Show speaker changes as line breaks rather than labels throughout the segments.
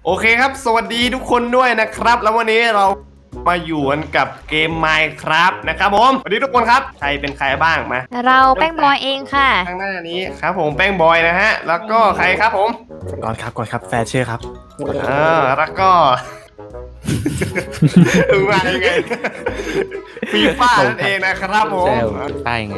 โอเคครับสวัสดีทุกคนด้วยนะครับแล้ววันนี้เรามาอยู่กันกับเกม Minecraft นะครับผมสวัสดีทุกคนครับใครเป็นใครบ้างมา
เราแป้งบอยเองค่ะ
ข้างหน้านี้ครับผมแป้งบอยนะฮะแล้วก็ใครครับผม
ก่อนครับแฟร์เชื่อครับ
แล้วก็มายังไงฟีฟ่านั่นเองนะครับผม
ได้ไง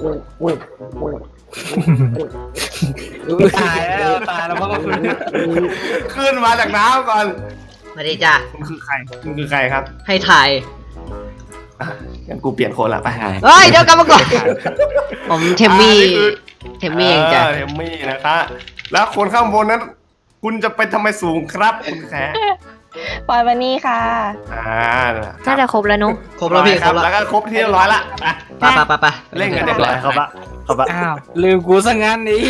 ตายแล้วมันก็
ขึ้นมาจากน้ำก่อน
มาดีจ้ะ
คุณคือใครครับ
ให้ถ่าย
งั้นกูเปลี่ยนคนละไป
เฮ้ยเดี๋ยวกลับมาก่อนผมเทมมี่เองจ้ะ
เทมมี่นะครับแล้วคนข้างบนนั้นคุณจะไปทำไมสูงครับคุณแข
ปอยวันนี้ค่ะ
น่าจะครบแล้วนุ๊ก
ครบแล้วพี่ครบ
แล้วก็ครบที่เรียบร้อยละ
ไป
เล่นกันเรียบร้อยครับ
อ้าวลืมกูซะงั้นนี่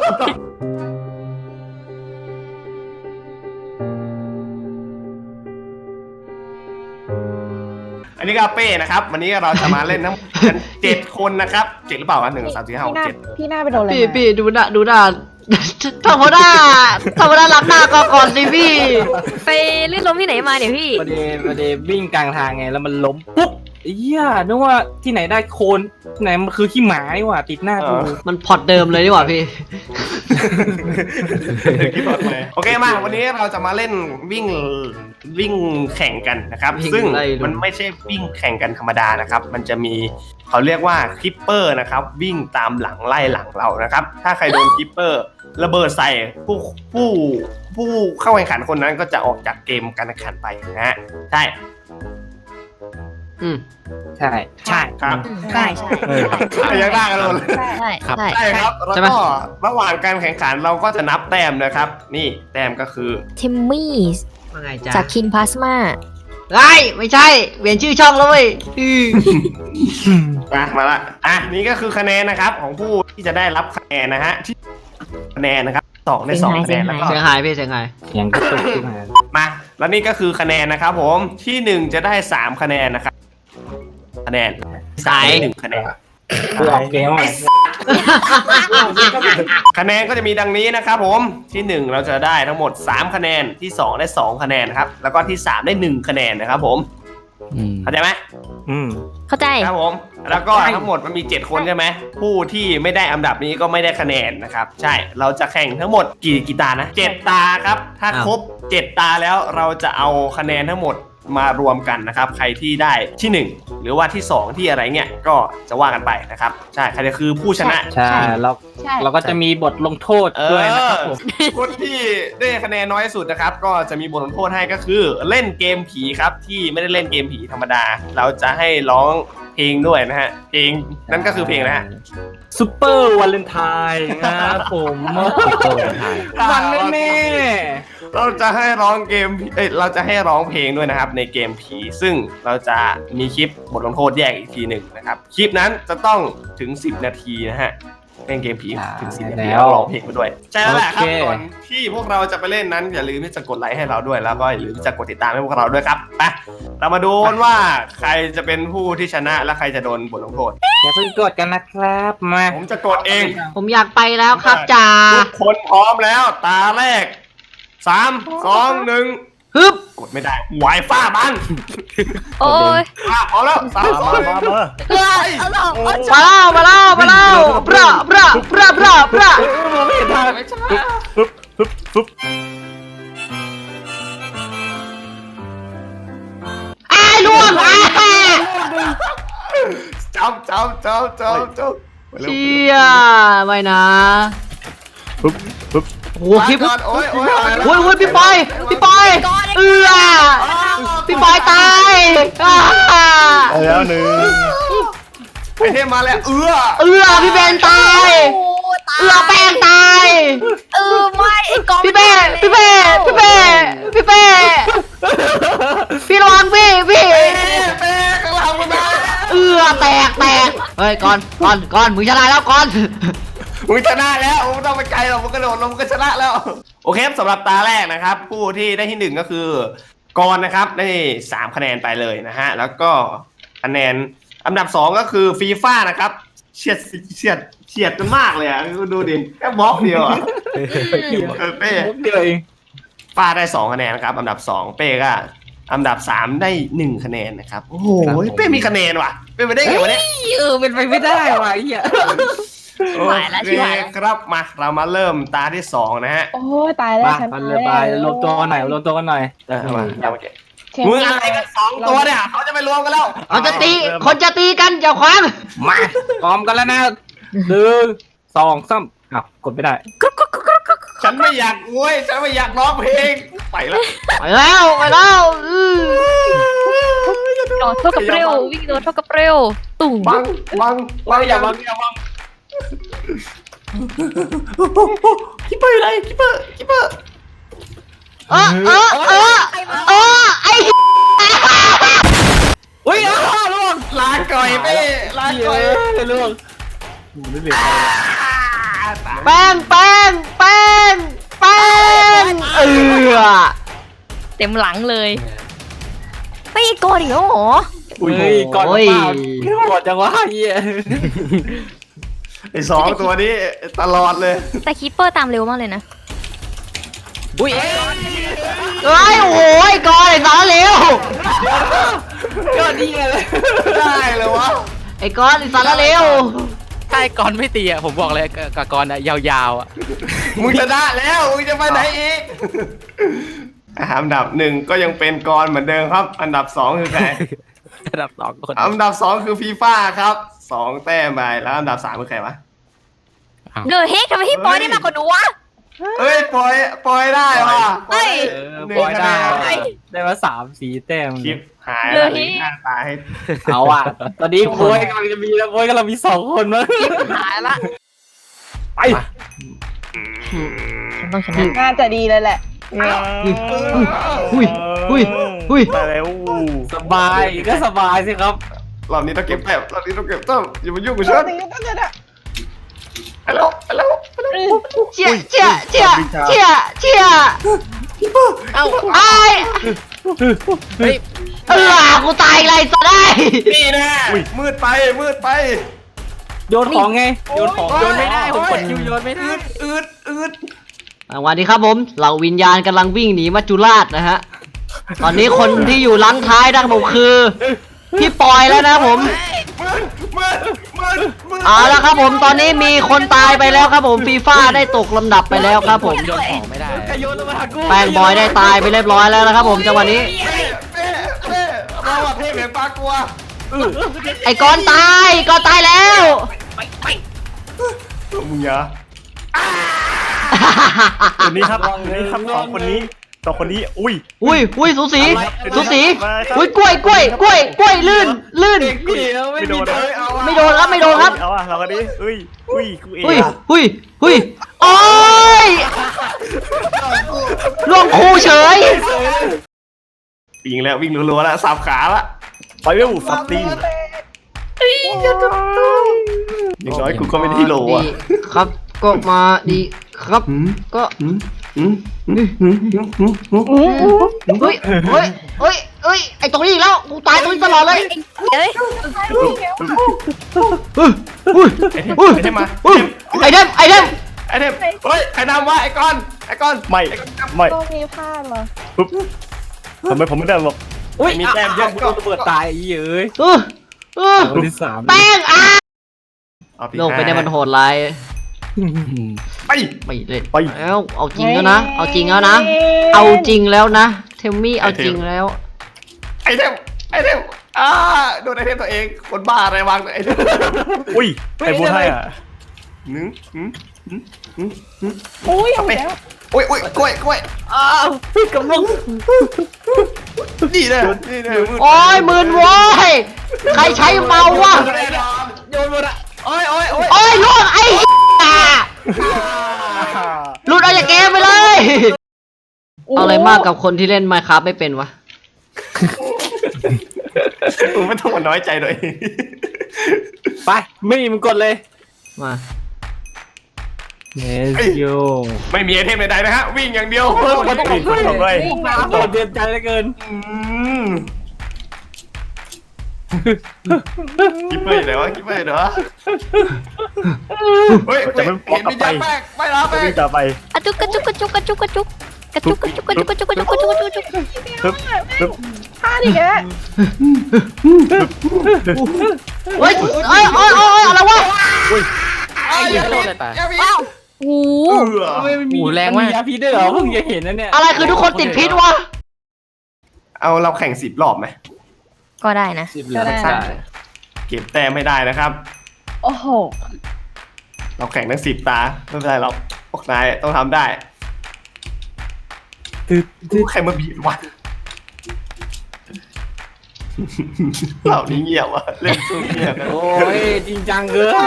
อันนี้ก็เป้นะครับวันนี้เราจะมาเล่นทั้งกัน7 คนนะครับ7หรือเปล่า1 2 3 4 5 6 7
พี่หน้าไปโดนอะไร
พี่ดูหน้าธรรมดารับหน้าก่อนดิพี่
ไปลื่นล้มที่ไหนมาเนี่ยพี่
ประเดี๋ยววิ่งกลางทางไงแล้วมันล้มปุ๊บนึกว่าที่ไหนได้โคนไหนมันคือขี้หมานี่หว่าติดหน้ากู
มันพอดเดิมเลยดีกว่าพี่
คิดต่อไปโอเคมาวันนี้เราจะมาเล่นวิ่งแข่งกันนะครับซึ่งมันไม่ใช่วิ่งแข่งกันธรรมดานะครับมันจะมีเขาเรียกว่าคลิปเปอร์นะครับวิ่งตามหลังไล่หลังเรานะครับถ้าใครโดนคลิปเปอร์ระเบิดใส่ผู้เข้าแข่งขันคนนั้นก็จะออกจากเกมการแข่งขันไปนะฮะใช่
ครับ
ใช่
ยังได้กันเลย
ใช่
ครับแล้วก็ระหว่างการแข่งขันเราก็จะนับแต้มนะครับนี่แต้มก็คือ
เทมมี่
ว่าไงจ๊ะ
จากคินพลาสมา
ไม่ใช่เปลี่ยนชื่อช่องแล้วเว้ย
มาละนี่ก็คือคะแนนนะครับของผู้ที่จะได้รับคะแนนนะฮะที่คะแนนนะครับ2 ใน 2คะแนนแล้วก็
เสียงหายพี่เสียงหาย
ยังกระตุกขึ้น
มาแล้วนี่ก็คือคะแนนนะครับผมที่1จะได้3คะแนนนะครับคะแนน1คะแนนคะแนนก็จะมีดังนี้นะครับผมที่1เราจะได้ทั้งหมด3คะแนนที่2ได้2คะแนนนะครับแล้วก็ที่3ได้1คะแนนนะครับผมเข้าใจไหม
เข้าใจ
ครับผมแล้วก็ทั้งหมดมันมี7 คนใช่ไหมผู้ที่ไม่ได้อันดับนี้ก็ไม่ได้คะแนนนะครับใช่เราจะแข่งทั้งหมดกี่ตานะ7 ตาครับถ้าครบ7 ตาแล้วเราจะเอาคะแนนทั้งหมดมารวมกันนะครับใครที่ได้ที่1หรือว่าที่2ที่อะไรเงี้ยก็จะว่ากันไปนะครับใช่ใครจะคือผู้ชนะ
ใช่เราก็จะมีบทลงโทษด้วยนะครับผม
คนที่ได้คะแนนน้อยสุดนะครับก็จะมีบทลงโทษให้ก็คือเล่นเกมผีครับที่ไม่ได้เล่นเกมผีธรรมดาเราจะให้ร้องเพลงด้วยนะฮะเพลงนั่นก็คือเพลงนะฮะ
ซุปเปอร์วาเลนไทน์นะครับผมมันแน่
เราจะให้ร้องเกมเราจะให้ร้องเพลงด้วยนะครับในเกมผีซึ่งเราจะมีคลิปบทลงโทษแยกอีกทีหนึ่งนะครับคลิปนั้นจะต้องถึง10 นาทีนะฮะเล่นเกมผีถึง10 นาทีแล้วร้องเพลงไปด้วยใช่แล้วแหละครับก่อนที่พวกเราจะไปเล่นนั้นอย่าลืมที่จะกดไลค์ให้เราด้วยแล้วก็อย่าลืมที่จะกดติดตามให้พวกเราด้วยครับไปเรามาดูว่าใครจะเป็นผู้ที่ชนะและใครจะโดนบทลงโทษ
อย่าเพิ่งกดกันนะครับมา
ผมจะกดเอง
ผมอยากไปแล้วครับจ่า
ทุกคนพร้อมแล้วตาแรก3 2 1
ฮึบ
กดไม่ได้ไวฟ้าบัง
โอ้ย
พร้อมแล้ว3 2 1
มาแล้วปรา
ไม่เห็นทางไม่ใช่
ล่วง
จับ
เชี่ยไม่นะโอ้คลิป
โอ้ย
พี่ปอยพี่ปอยตาย
แล้วหนึ่งไอเทมมาแล้ว
พี่เบนตายแป้งตาย
ไม่ไอ้กอง
พี่เป้พี่ระวังพี่
เป้ข้างหลังมึงนะ
แตกเฮ้ยก่อนมึงชนะแล้วก่อน
มึงชนะแล้วมึงต้องไปไกลหรอกมึงกระโดดลงมึงก็ชนะแล้วโอเคสำหรับตาแรกนะครับผู้ที่ได้ที่1ก็คือกรนะครับได้3 คะแนนไปเลยนะฮะแล้วก็คะแนนอันดับ2ก็คือฟีฟ่านะครับเฉียดกันมากเลยอ่ะดูดิแค่บล็อกเดียวอ่ะ
เป้เดียวเอง
ป้าได้2คะแนนครับอันดับ2เป้ก็อันดับ3ได้1คะแนนนะครับโอ้โหเป้มีคะแนนว่ะเป้ไปได้ไงวะเนี่ย
เป็นไปไม่ได้ว่ะไอ้เหี้ย
โอเคครับมาเรามาเริ่มตาที่2นะฮะ
โอ้ยตายแล้ว
มา
ฉัน
มันเลยไปรวมตัวกันหน่อยรวมตัวกันหน่อย
มาเอาโอเค
เข็ม
มึงอะไรกัน2ตัวเนี่ยเขาจะไปรวมกันแล้ว
เอาจะตีคนจะตีกันอย่าขวาง
มาพร้อมกันแล้วนะ1 2 3อ้าวกดไม่ได้
ฉันไม่อยากโวยฉันไม่อยากร้องเพลงไปแล้ว
ไปแล้วอื้อ
โดดเท่ากับเร็ววิ่งโดดเท่ากับเร็วตุ่ม
บังอย่าบังคิปเปอร์อยู่ไหนคิปเปอร์
ไอ้
อุ้ยล่วง
ลาก่อยเป้ลาก่อย
ล่วง
แป้ง
เต็มหลังเลยไม่โกนอีกแล้วเหรอ
อุ้ยก่อนเปล่ากดจังวะเหี้ย
ไอ้2ตัวนี้ตลอดเลย
แต่คีปเปอร์ตามเร็วมากเลยนะ
อุ้ย
โอ้ยก่อนไอ้สารเลว
ก็ดีเลย
ได้เลยวะ
ไอ้ก้อนไอ้สารเลว
ถ้าไอ้กรไม่ตีอ่ะผมบอกเลยกับกรอ่ะยาวๆอ่ะ
มึงชนะแล้วมึงจะไปไหนอีกอันดับ1ก็ยังเป็นกรเหมือนเดิมครับ อันดับ2คือใคร
ระดับ2คน
อันดับ2คือฟีฟ่าครับ2แต้มไปแล้วอันดับ3คือใครวะ
เดอะเฮกทำไมพี่ปอยได้มากกว่าหนูวะ
เฮ้ยปล่อยได้ว่ะ
เฮ้ย
ปล่อยได้ได้มา3-4แต้ม
คลิปหาย
เล
แล้ว
ย
หน้าตาให้
เอาอ่ะตอนนี้โวยกำลังจะมีแล้วโวยกำลังมี2คนมั้ง
หายละ
ไป
ต้องชนะ
น่าจะดีเลยแหละ
อุ้ย
ไปแล้ว
สบายก็สบายสิครับ
รอบนี้ต้องเก็บแต้มรอบนี้ต้องเก็บแต้มอย่ามายุ่งกับฉัน
สิ่งที่ต้องเกิดอะ
ไปแล้ว
เชี่ย
เอ้า
เฮ้ย
กูตายไรซะได้
นี่แน่มืดไป
โยนของไงโยนของ
โยนไม่ได้ผมกดคิวโยนไม่ได้
อืด
สวัสดีครับผมเหล่าวิญญาณกำลังวิ่งหนีมัจจุราชนะฮะ ตอนนี้คนที่อยู่หลังท้ายนะครับผมคือพี่ปอยแล้วนะครับผม
มืด
เอาละครับผมตอนนี้มีคนตายไปแล้วครับผมฟีฟ่าได้ตกลำดับไปแล้วครับผม
โยนของไม่ได้
โยนลงมาหากู
แป้งบอยได้ตายไปเรียบร้อยแล้วนะครับผมจังหวะนี้
เป้เราอะเทพแห่งปลากลัว
ไอ้กอนตายแล้ว
มึงอย่า
คนนี้ครับสองคนนี้
อุ้ยสูสีอุ้ยกล้วยลื่น
เด็กเดียวไม่มีโดน
ไม่โดนครับ
เอาอะเรากันดิกูเอง
อุ้ยโอ้ยล่วงคู่เฉย
วิ่งรัวๆแล้วสับขาละ
ไปเร็วสับตีน
อย่างน้อยกูก็ไม่ได้ที่โหล
ดี
อ่ะ
ครับก็มาดีครับก็เฮ้ยไอ้ตรงนี้อีกแล้วกูตายตรงนี้ตลอดเลย
เอ้ย
ไอ้เทมมา
ไอเดม
เฮ้ยใครนำวะไอ้ก้อน
ไม่
ต้องมีพลาดเหรอ
ทำไมผมไม่ได้หรอก
อุ้ยมีแต้มเยอะกูต้องระเบิดตายอีเอ้ยคนที่3
แป้ง
เอาที่
โลกไปได้มันโหดร้าย
ไป
ไม่เล่นแล้วเอาจริงแล้วนะเอาจริงแล้วนะเทมมี่เอาจริงแล้ว
ไอ้เทมโดนไอ้เทมตัวเองคนบ้าอะไรวางไอ้เทม
อุ้ยใครพูดให้อ่ะ
อุ้ยเอาไปแล้ว
โอ้ยกล้วย
พี่กำลัง
นี่แน่มืด
โอ้ยหมื่นโว้ยใครใช้เมาวะ
โยนหมดอ่ะ
โอ้ย
โอ้ยล่วงไอ้หลุดออกจากเกมไปเลยเอาอะไรมากกับคนที่เล่น Minecraft ไม่เป็นวะ
มึงไม่ต้องมาน้อยใจหน่อย
ไปไม่มีมึงกดเลย
มา
Let's go
ไม่มีไอเทมใดๆนะฮะวิ่งอย่างเดียว
คนส่งด้วย
โดดเดือนใจเหลือเกิน
คิปเปอร์อยู่ไหนวะเฮ้ย
จะไม่
เห็นวิญญาณแป้งไม่รับแป้ง
วิ่งต่อไป
อะจุกกระจุกกระจุกกระจุกกระจุกกระจุกกระจุกกระจุกกระจุก
พลาดอีกแล้ว
เฮ้ยเอ้ยอะไรวะ
ไอ้เหี้ยโดนอะไรตาย
โอ้โห
ไม่มี
แรงมาก
ยาพิษด้วยเหรอเพิ่งจะเห็นนะเนี่ย
อะไรคือทุกคนติดพิษวะ
เอาเราแข่ง10 รอบไหม
ก็ได้นะ
ก็ได้
เก็บแต้มไม่ได้นะครับ
โอ้โห
เราแข่งทั้ง10 ตาไม่เป็นไรหรอกพวกนายต้องทำได้ใครมาบีบวะเหล่านี้เงียบวะเล่นสู้เงียบกัน
โอ้ยจริงจังเกิน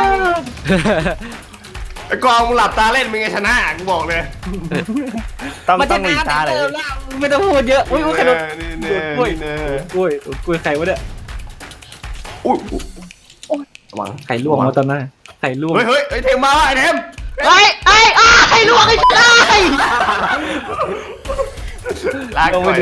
ไอ้กองมึงหลับตาเล่นมึงไงชนะกูบอกเลย
ต้อง
มัน
ต้
จะ
องหลีกตาเลย
ไม่ต้องพูดเยอะอุ้ยใครโดน
นี่
โด
เน่
นกล้วย
นี่เน่
กล้วยกล้วยใครวะเนี่ย
อุ้ยระวัง
ไข่ลวกมาตอนนั้นไข่ลวก
เฮ้ยเทมมาไอ้เทม
ไอ้ลวกไอ้ชาย
ลากไป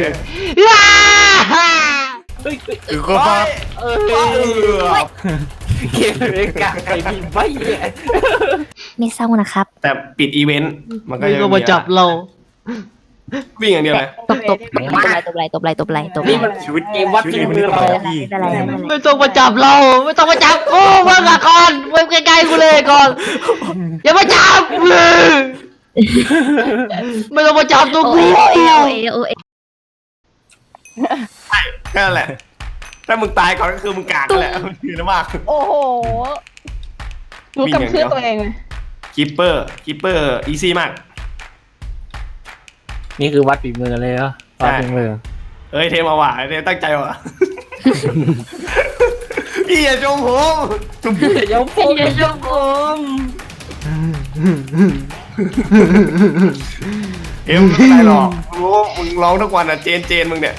เฮ้ย
คือก็พอ
เออเกมเล็กกะไข่บีบใบเนี่ย
ไม่เศร้านะครับ
แต่ปิดอีเวนต์มันก็
ไม่
ยัง
ก็มาจับเรา
วิ่งอย่างเดียวเลย
ตบไหล
นี่มันชีวิตเกมวัดฝีมือเรา
ไม่เป็นไรไม่เป็นไร
ไม่ต้องมาจับเรา ไม่ต้องมาจับกูเมื่อก่อนเมื่อใกล้ๆกูเลยก่อนอย่ามาจับเลยไม่ต้องมาจับตัว
โอ
กู
เอ
แค่นั้นแหละ ถ้ามึงตายก่อนก็คือมึงกากนั่นแหละมันคือนะมาก
โอ้โหรู้กับเพื่อนตัวเองเลย
คิปเปอร์อีซี่มาก
นี่คือวัดฝีมือเลยเหรอวัดฝีมือ
เอ้ยเทมเอาว่ะเทมตั้งใจว่ะ พี่อย่าชมผมจุ๊บ
เดี๋ยวผมเดี๋ยวผม
เทมไม่ได้หรอกรู้มึงร้องทุกวันอ่ะเจนมึงเนี่ย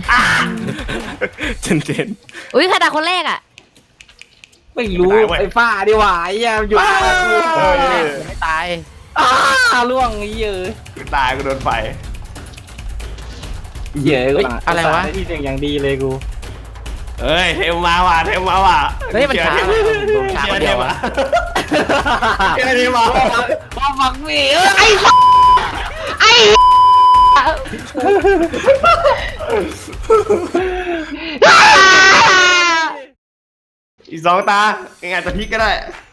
เจน
อุ้ยใครด่าคนแรกอ่ะ
ไม่รู้ไอ้ฝ้าดีกว่าไอ้ยามอยู่
ไม่ตาย
ล่วงไอ้เยอะ
กูตายกูโดนไฟ
เยอะกู
อะไรวะ
ที่เสียงอย่างดีเลยกู
เอ้ยเทมมาว่ะเทมมาว่ะ
เฮ้ยมันช้า
เชื่อ
ช้า
เท
คนเดียว
ม
อะ
อ่ะเชื่อเทมมา
มาฟังมี
ไอ้ไอ้
อีก2 ตายังไงจะพลิกก็ได้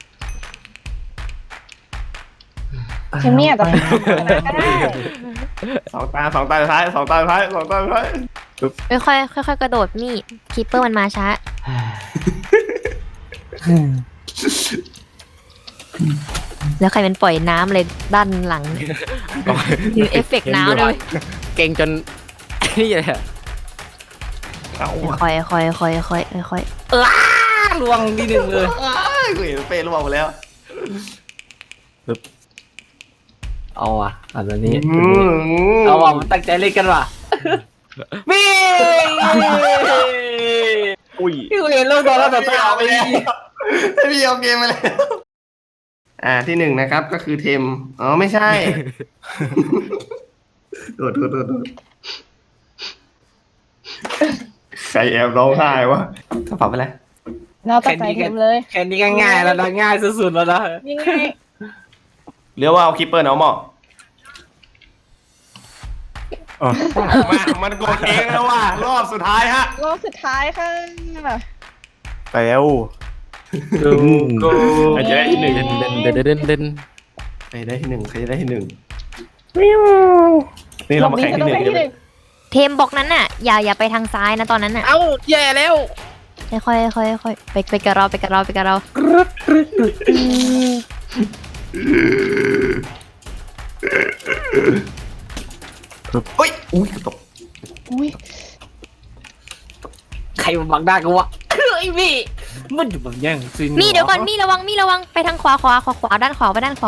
เทมมี่อาจจะชนะก็ได้
2 ตาสุดท้าย2 ตาสุดท้าย
ค่อยกระโดดมีดคีปเปอร์มันมาช้า แล้วใครมันปล่อยน้ำเลยด้านหลังมีเอฟเฟกต์น้ำด้วย
เก่งจน นี่เลยอะ
เอา
ค่อย
ล่วงที่หนึ่งเลย
กูเห็นเป้ร่วงหมดแล้ว
เอาอ่ะอันนี้เอาอ่ะมันตั้งใจเล่นกันว่ะวิ่ง
อุ้ย
พี่เห็นลูกโดนแล้วต่อตาไป
พี่เอาเกมมาแล้วที่1นะครับก็คือเทมอ๋อไม่ใช่โดดใครแอบร้องไห้วะกระเป๋าไปแล้ว
เราตัดใจเทมเลย
แค่นี้ก็ง่ายแล้วนะง่ายสุดๆแล้วนะ
ยังไง
เรียกว่าเอาคิปเปอร์เนาะหมอมันกดเองแล้วว่ะรอบสุดท้ายฮะ
รอบสุดท้ายค่ะ
แล้ว
กู
ใครจะได้ที่1
เดิน
ใครได้ที่1นี่เรามาแข่งที่
ต้องไปที่หนึ่ง
เทมบอกนั้นน่ะอย่าไปทางซ้ายนะตอนนั้นน่ะ
เอ้าแย่แล้ว
ค่อยไปกับเรา
เฮ้ยอุ้ยตก
อุ้ย
ใครมาบังหน้ากูวะไอ้พี่มันอยู่แบบยังซิน
มีเดี๋ยวก่อนมีระวังไปทางขวาด้านขวาไปด้านขวา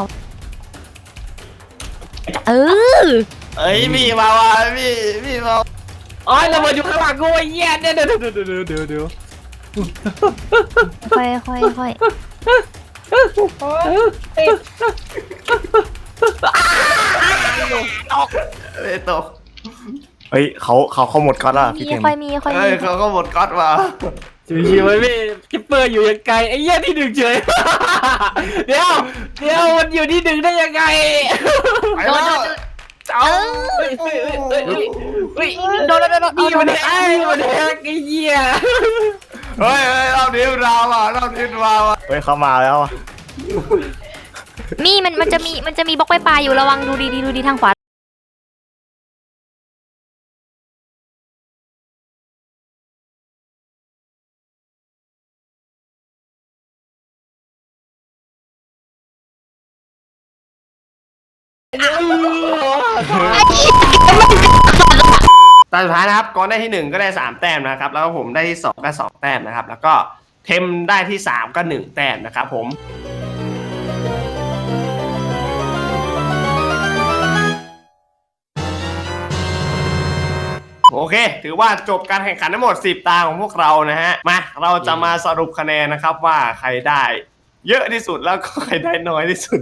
เออ
เอ้ยพี่มาว่ะพี่มา
อ๋อระเบิดอยู่ข้างหลังกูไอ้เหี้ยเดี๋ยว
ค่อย
โอ้ยติด
ไม่ตก
เฮ้ยเขาหมดก๊อตแล้วพี่เทม
ค่อยมี
เฮ้ยเขาก็หมดก๊อตว่ะ
ชิวๆไว้พี่คิปเปอร์อยู่ยังไกลไอ้เหี้ยที่หนึ่งเฉยเดี๋ยวมันอยู่ที่หนึ่งได้ยังไง
ไปแล้ว
โดนแล้ว
นี่มันแฮกไอ้เหี้ย
เฮ้ยรอบนี้เราอ่ะรอบนี้เราอ่ะ
เฮ้ยเข้ามาแล้วอะ
นี่มันจะมีบล็อกปลายอยู่ระวังดูดีทางขวา
ตาสุดท้ายนะครับก่อนได้ที่ 1 ก็ได้ 3 แต้มนะครับ แล้วก็ผมได้ที่ 2 ก็ 2 แต้มนะครับ แล้วก็เทมได้ที่ 3 ก็ 1 แต้มนะครับผมโอเค ถือว่าจบการแข่งขันทั้งหมด 10 ตาของพวกเรานะฮะมาเราจะมาสรุปคะแนนนะครับว่าใครได้เยอะที่สุดแล้วก็ใครได้น้อยที่สุด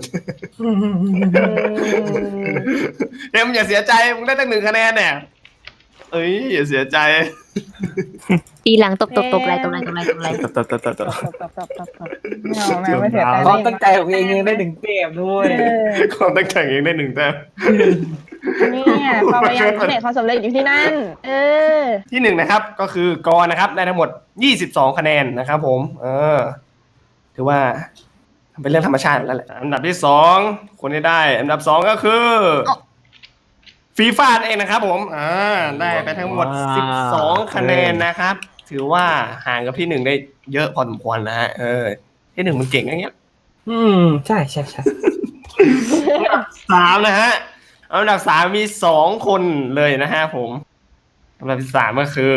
เทมอย่าเสียใจมึงได้ตั้ง1 คะแนนเนี่ยเอ้ยอย่าเสียใจ
ทีหลังตบอะไร
ตบ
ตบไม่เอาไม่เสียใจ
ความตั้งใจของเองยังได้1เกมด้วย
ความตั้งใจเองได้ 1 แต้ม
เนี่ยความพยายามที่ไหนความสำเร็จอยู่ที่นั่น
ที่ 1นะครับก็คือกรนะครับได้ทั้งหมด22 คะแนนนะครับผมถือว่าเป็นเรื่องธรรมชาติแล้วแหละอันดับที่ 2คนที่ได้อันดับ 2 ก็คือฟีฟ่าเองนะครับผมได้ไปทั้งหมด12 คะแนนนะครับถือว่าห่างกับที่ 1ได้เยอะพอสมควรนะฮะที่ 1มันเก่งอย่างเงี้ย
ใช่
3นะฮะอันดับ 3มี2 คนเลยนะฮะผมอันดับที่ 3ก็คือ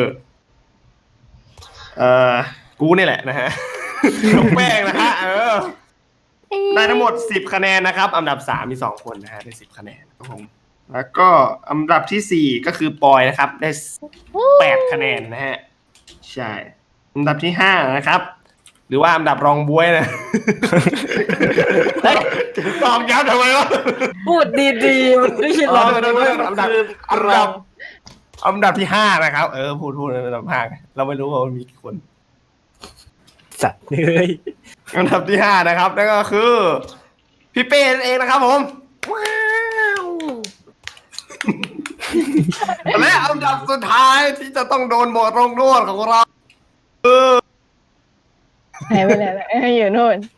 กูนี่แหละนะฮะน้องแป้งนะฮะได้ทั้งหมด10 คะแนนนะครับอันดับ 3มี2 คนนะฮะได้10 คะแนนครับผมแล้วก็อันดับที่ 4ก็คือปอยนะครับได้8 คะแนนนะฮะใช่อันดับที่ 5นะครับหรือว่าอันดับรองบ๊วยนะตอบย้ำทำไมวะ
พูดดีๆมันไม่ใช่รองด้วย
อันดับที่ 5นะครับพูดอันดับ 5เราไม่รู้ว่ามันมีกี่คน
สัตว์เลย
อันดับที่ 5นะครับนั่นก็คือพี่เป้นั่นเองนะครับผมว้าวและอันดับสุดท้ายที่จะต้องโดนบทลงโทษของเรา
หายไปไหนแล้วอยู่นู่น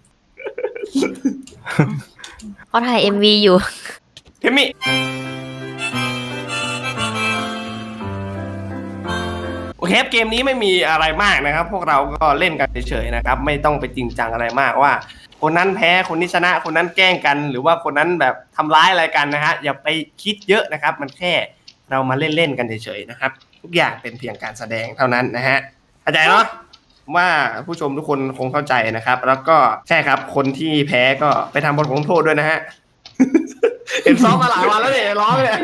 เขาถ่าย MV อยู่
เทมมี่โอเคเกมนี้ไม่มีอะไรมากนะครับพวกเราก็เล่นกันเฉยๆนะครับไม่ต้องไปจริงจังอะไรมากว่าคนนั้นแพ้คนนี้ชนะคนนั้นแกล้งกันหรือว่าคนนั้นแบบทำร้ายอะไรกันนะฮะอย่าไปคิดเยอะนะครับมันแค่เรามาเล่นๆกันเฉยๆนะครับทุกอย่างเป็นเพียงการแสดงเท่านั้นนะฮะเข้าใจเนาะว่าผู้ชมทุกคนคงเข้าใจนะครับ แล้วก็ใช่ครับคนที่แพ้ก็ไปทำบทลงโทษด้วยนะฮะ เห็นซ้อมมาหลายวันแล้วเนี่ยร้องเลย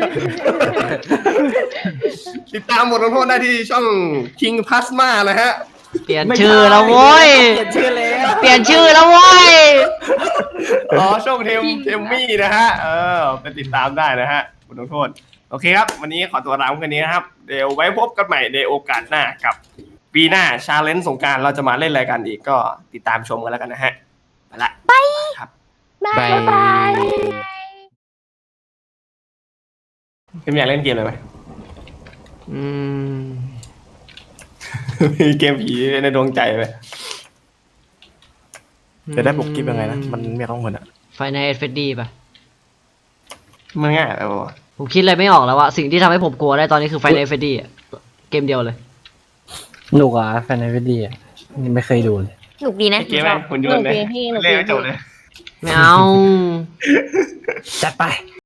ติดตามบทลงโทษได้ที่ช่อง King Plasma นะฮะ
เปลี่ยนชื่อแล้วโว้ย
เปลี่ยนชื่อแล้ว
เปลี่ยนชื่อแล้วโว้ย
ช่องเทมมี่นะฮะไปติดตามได้นะฮะบทลงโทษโอเคครับวันนี้ขอตัวลาไปแค่นี้นะครับเดี๋ยวไว้พบกันใหม่ในโอกาสหน้ากับปีหน้าชาเลนจ์สงกรานต์เราจะมาเล่นอะไรกันอีกก็ติดตามชมกันแล้วกันนะฮะไปละบายครับ
บาย
เกมอยากเล่นเกมอะไรไหม
อืม
มีเกมผีในดวงใจไหม
จะได้บุกกิฟยังไงนะมันไม่ต้องเหมือนอะ
ไฟในเอฟดีป่ะ
มันง่ายไปวะ
ผมคิดอะไรไม่ออกแล้วว่าสิ่งที่ทำให้ผมกลัวได้ตอนนี้คือไฟในเอฟดีเกมเดียวเลย
หนุกอ่ะแฟนในวิดีอ่ะไม่เคยดูเลย
หนุกดีนะ
เกมอะไรคุณยนต์เลยเล่นไม่จบเลย
ไม่เอา
จัดไป